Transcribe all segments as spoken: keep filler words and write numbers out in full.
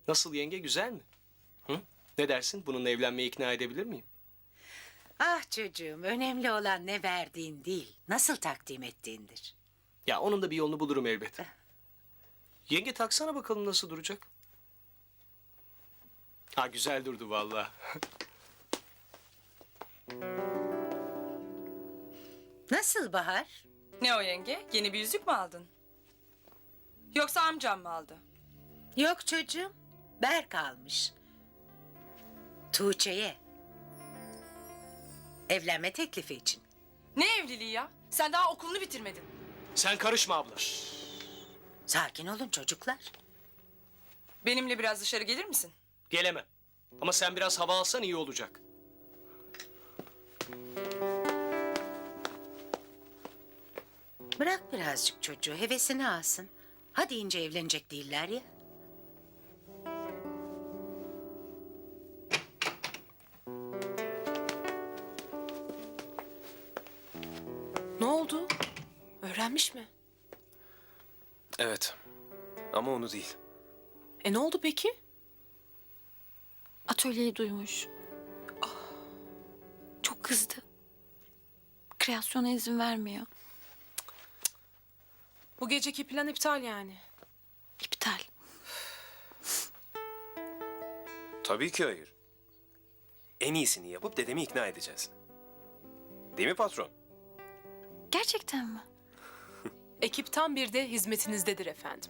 Nasıl yenge, güzel mi? Hı? Ne dersin? Bununla evlenmeye ikna edebilir miyim? Ah çocuğum, önemli olan ne verdiğin değil, nasıl takdim ettiğindir. Ya onun da bir yolunu bulurum elbet. Yenge taksana bakalım nasıl duracak. Ha, güzel durdu vallahi. Nasıl Bahar? Ne o yenge? Yeni bir yüzük mü aldın? Yoksa amcam mı aldı? Yok çocuğum, Berk almış. Tuğçe'ye. Evlenme teklifi için. Ne evliliği ya? Sen daha okulunu bitirmedin. Sen karışma abla. Sakin olun çocuklar. Benimle biraz dışarı gelir misin? Gelemem. Ama sen biraz hava alsan iyi olacak. Bırak birazcık çocuğu, hevesini alsın. Hadi ince evlenecek değiller ya. Ne oldu? Öğrenmiş mi? Evet. Ama onu değil. E ne oldu peki? Atölyeyi duymuş. Çok kızdı. Kreasyona izin vermiyor. Bu geceki plan iptal yani. İptal. Tabii ki hayır. En iyisini yapıp dedemi ikna edeceğiz. Değil mi patron? Gerçekten mi? Ekip tam bir de hizmetinizdedir efendim.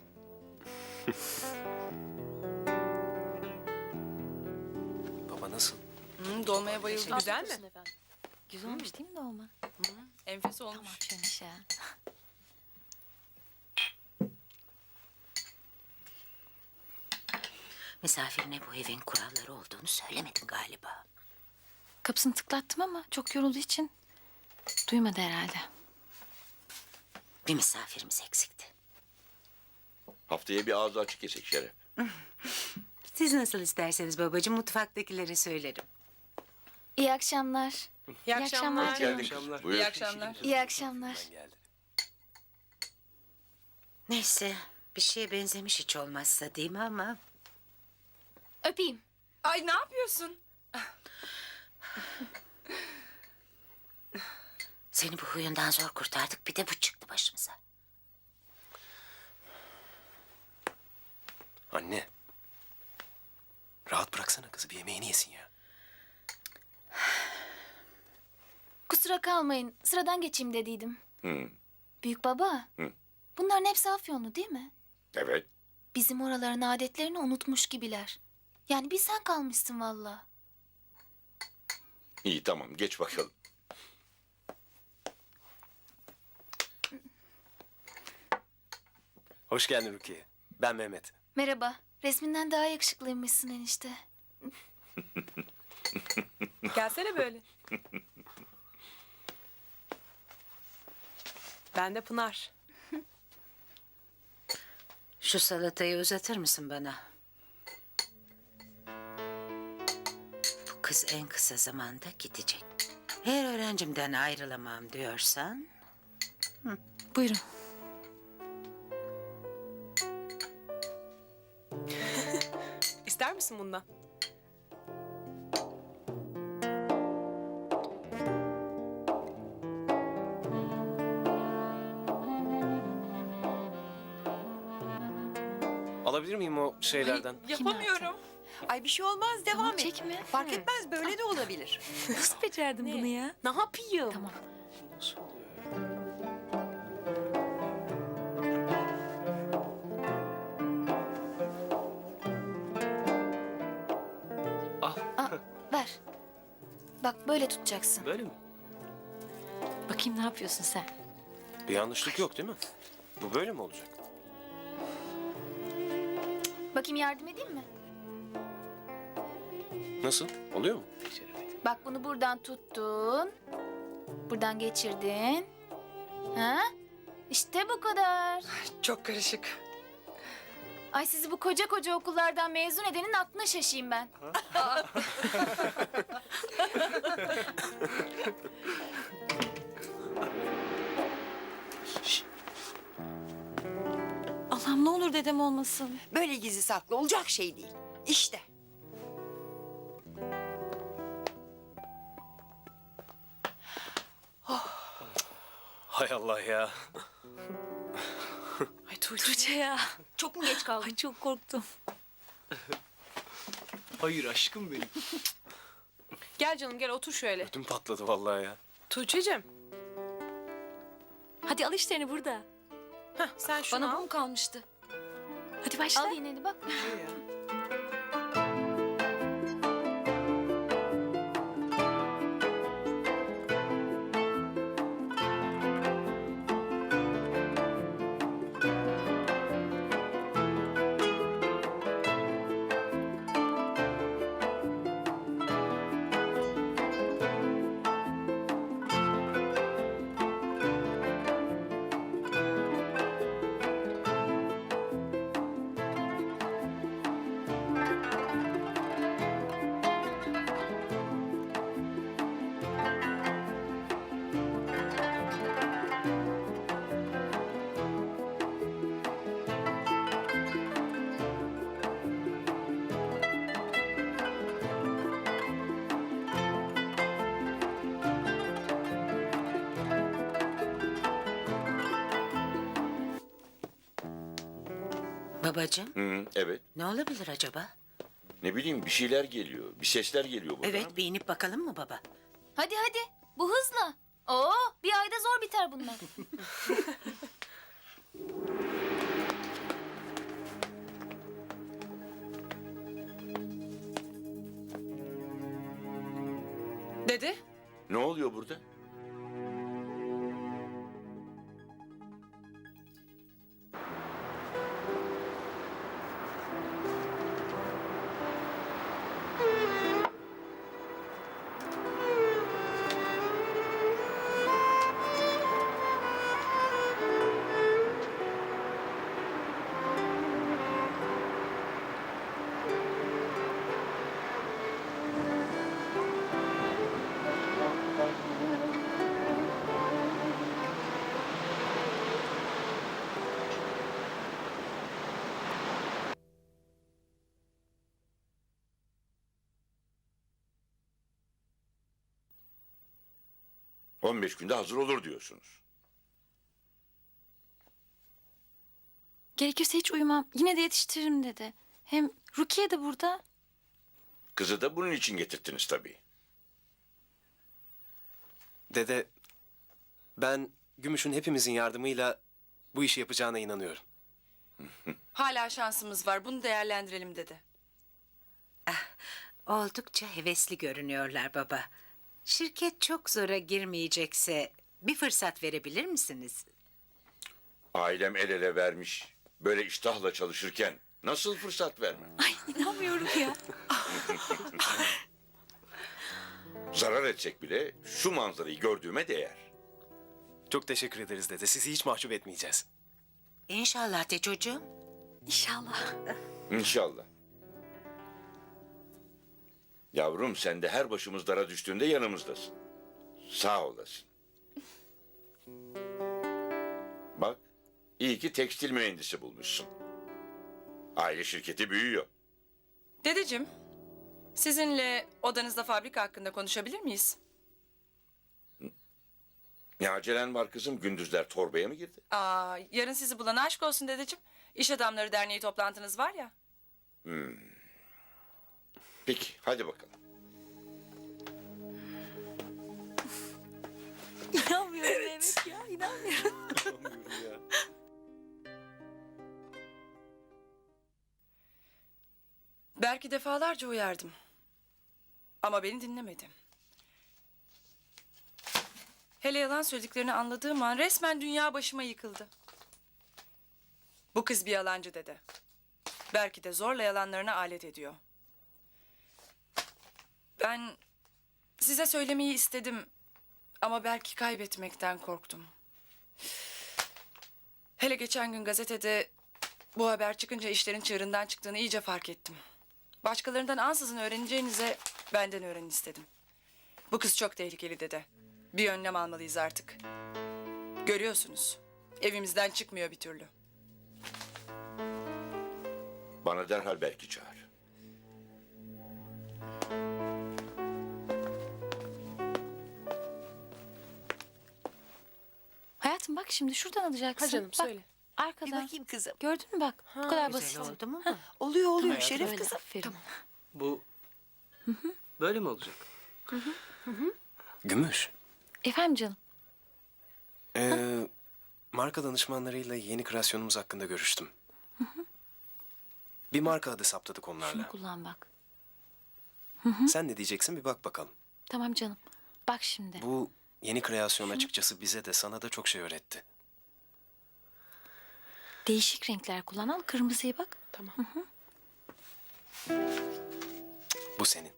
Baba nasıl? Hı, dolmaya bayıldım. Güzel mi? Güzel olmuş değil mi dolma? Enfes olmuş. Şöyle ya. Misafirine bu evin kuralları olduğunu söylemedin galiba. Kapısını tıklattım ama çok yorulduğu için duymadı herhalde. Bir misafirimiz eksikti. Haftaya bir ağzı açık yesek Şeref. Siz nasıl isterseniz babacığım, mutfaktakilere söylerim. İyi akşamlar. İyi akşamlar. akşamlar. İyi akşamlar. Buyur. İyi akşamlar. İyi akşamlar. Ben geldi. Neyse, bir şeye benzemiş hiç olmazsa değil mi ama... Öpeyim. Ay ne yapıyorsun? Seni bu huyundan zor kurtardık, bir de bu çıktı başımıza. Anne. Rahat bıraksana kızı, bir yemeğini yesin ya. Kusura kalmayın. Sıradan geçeyim dediydim. Hı. Büyük baba. Hı. Bunların hepsi Afyonlu değil mi? Evet. Bizim oraların adetlerini unutmuş gibiler. Yani bir sen kalmışsın vallahi. İyi tamam geç bakalım. Hoş geldin Rukiye. Ben Mehmet. Merhaba. Resminden daha yakışıklıymışsın enişte. Gelsene böyle. Ben de Pınar. Şu salatayı uzatır mısın bana? Bu kız en kısa zamanda gidecek. Eğer öğrencimden ayrılamam diyorsan... Buyurun. İster misin bundan? Alabilir miyim o şeylerden? Yapamıyorum. Ay bir şey olmaz, devam Tamam, et. çekme. Fark etmez, böyle de olabilir. Nasıl becerdin bunu ya? Ne yapayım? Tamam. Nasıl oluyor? Al. Al, ver. Bak böyle tutacaksın. Böyle mi? Bakayım ne yapıyorsun sen? Bir yanlışlık yok değil mi? Bu böyle mi olacak? Bakayım yardım edeyim mi? Nasıl? Oluyor mu? Beceremedim. Bak bunu buradan tuttun. Buradan geçirdin. Ha? İşte bu kadar. Çok karışık. Ay sizi bu koca koca okullardan mezun edenin aklına şaşayım ben. Allah'ım ne olur dedem olmasın. Böyle gizli saklı olacak şey değil. İşte. Hay Allah ya. Ay Tuğçe ya. Çok mu geç kaldın? Ay çok korktum. Hayır aşkım benim. Gel canım gel otur şöyle. Ödüm patladı vallahi ya. Tuğçe'cim. Hadi al işlerini burada. Heh, sen şunu Bana bu al. mu kalmıştı? Hadi başla. Al yine de bak. Babacığım, Hı, evet. ne olabilir acaba? Ne bileyim bir şeyler geliyor. Bir sesler geliyor buradan. Evet, bir inip bakalım mı baba? Hadi hadi. Bu hızla. Oo, bir ayda zor biter bunlar. Dede, Ne oluyor burada? on beş günde hazır olur diyorsunuz. Gerekirse hiç uyumam. Yine de yetiştiririm dedi. Hem Rukiye de burada. Kızı da bunun için getirttiniz tabii. Dede, ben Gümüş'ün hepimizin yardımıyla bu işi yapacağına inanıyorum. hala şansımız var. Bunu değerlendirelim dede. Oldukça hevesli görünüyorlar baba. Şirket çok zora girmeyecekse bir fırsat verebilir misiniz? Ailem el ele vermiş. Böyle iştahla çalışırken nasıl fırsat vermem? Ay inanmıyorum ya. Zarar etsek bile şu manzarayı gördüğüme değer. Çok teşekkür ederiz dede. Sizi hiç mahcup etmeyeceğiz. İnşallah de çocuğum. İnşallah. İnşallah. Yavrum sen de her başımız dara düştüğünde yanımızdasın. Sağ olasın. Bak, iyi ki tekstil mühendisi bulmuşsun. Aile şirketi büyüyor. Dedeciğim, sizinle odanızda fabrika hakkında konuşabilir miyiz? Ne acelen var kızım? Gündüzler torbaya mı girdi? Aa, yarın sizi bulan aşk olsun dedeciğim. İş Adamları Derneği toplantınız var ya. Peki, hadi bakalım. İnanmıyorum evet ya. İnanmıyorum. Belki defalarca uyardım. Ama beni dinlemedi. Hele yalan söylediklerini anladığım an resmen dünya başıma yıkıldı. Bu kız bir yalancı dedi. Belki de zorla yalanlarına alet ediyor. Ben size söylemeyi istedim ama belki kaybetmekten korktum. Hele geçen gün gazetede bu haber çıkınca işlerin çığırından çıktığını iyice fark ettim. Başkalarından ansızın öğreneceğinize benden öğrenin istedim. Bu kız çok tehlikeli dedi. Bir önlem almalıyız artık. Görüyorsunuz. Evimizden çıkmıyor bir türlü. Bana derhal belki çağır. bak şimdi şuradan alacaksın. Ha canım bak, söyle. Bir Arkadan. bakayım kızım. Gördün mü bak? Bu kadar Güzel basit. oldu mu? Oluyor oluyor Tamam, Şeref böyle, kızım. Aferin. Bu böyle mi olacak? Gümüş. Efendim canım. Ee, marka danışmanlarıyla yeni kreasyonumuz hakkında görüştüm. Bir marka adı saptadık Şunu onlarla. kullan bak. Sen ne diyeceksin bir bak bakalım. Tamam canım. Bak şimdi. Bu yeni kreasyon açıkçası bize de sana da çok şey öğretti. Değişik renkler kullan. Al kırmızıyı bak. Tamam. Bu senin.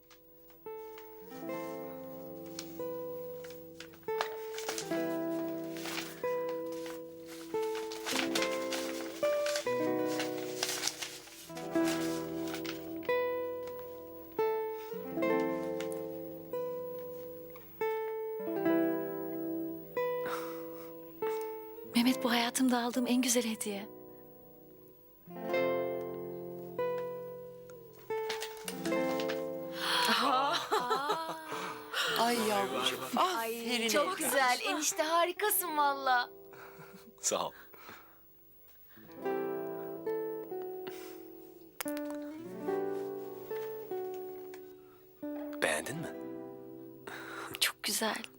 Mehmet bu hayatımda aldığım en güzel hediye. Ay yavrucuğum. Aferin. Çok güzel. Enişte harikasın valla. Sağ ol. Beğendin mi? Çok güzel.